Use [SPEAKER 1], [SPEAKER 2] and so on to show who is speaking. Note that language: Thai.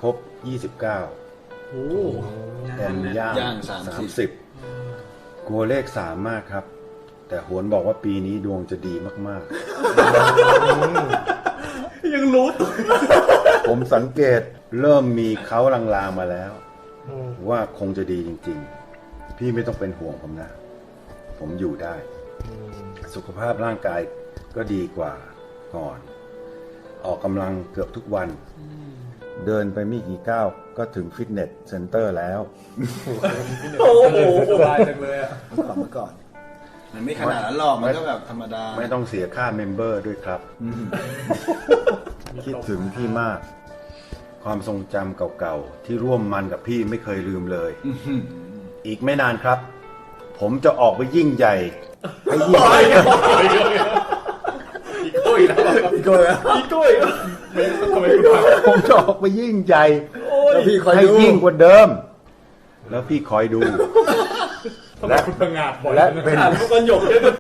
[SPEAKER 1] ครบ
[SPEAKER 2] โอ้
[SPEAKER 1] 29 เต็มย่าง 30 กลัวเลข 3 มากครับ แต่โหนบอกว่าปีนี้ดวงจะดีมาก
[SPEAKER 2] ยังรู้ตัว
[SPEAKER 1] ๆ ผมสังเกตเริ่มมีเขาลางๆมาแล้ว ว่าคงจะดีจริงๆ พี่ไม่ต้องเป็นห่วงผมนะ ผมอยู่ได้ สุขภาพร่างกายก็ดีกว่าก่อน ออกกำลังเกือบทุกวัน เดินไปไม่กี่ก้าวก็ถึงฟิตเนสเซ็นเตอร์แล้ว
[SPEAKER 2] โอ้โหสบายจังเลยอ่ะ
[SPEAKER 3] เมื่อก่อนมันไม่ขนาดนั้นหรอกมันก็แบบธรรมดา
[SPEAKER 1] ไม่ต้องเสียค่าเมมเบอร์ด้วยครับ คิดถึงพี่มาก ความทรงจำเก่าๆ ที่ร่วมมันกับพี่ไม่เคยลืมเลย อีกไม่นานครับ ผมจะออกไปยิ่งใหญ่ให้ยิ่งใหญ่
[SPEAKER 2] อีโก้อีกแล้วอีโก้อีกแล้วไม่ทำไมคุณทำ
[SPEAKER 1] ผมจะออกไปยิ่งใหญ่
[SPEAKER 3] แล้วพี่คอย
[SPEAKER 1] ให้
[SPEAKER 3] ดู
[SPEAKER 1] ยิ่งกว่าเดิม แล้วพี่คอยดู
[SPEAKER 2] ทำไมคุณพังงาดบ่อย
[SPEAKER 1] และเป็น
[SPEAKER 2] อ่านทุกวันหยกเลย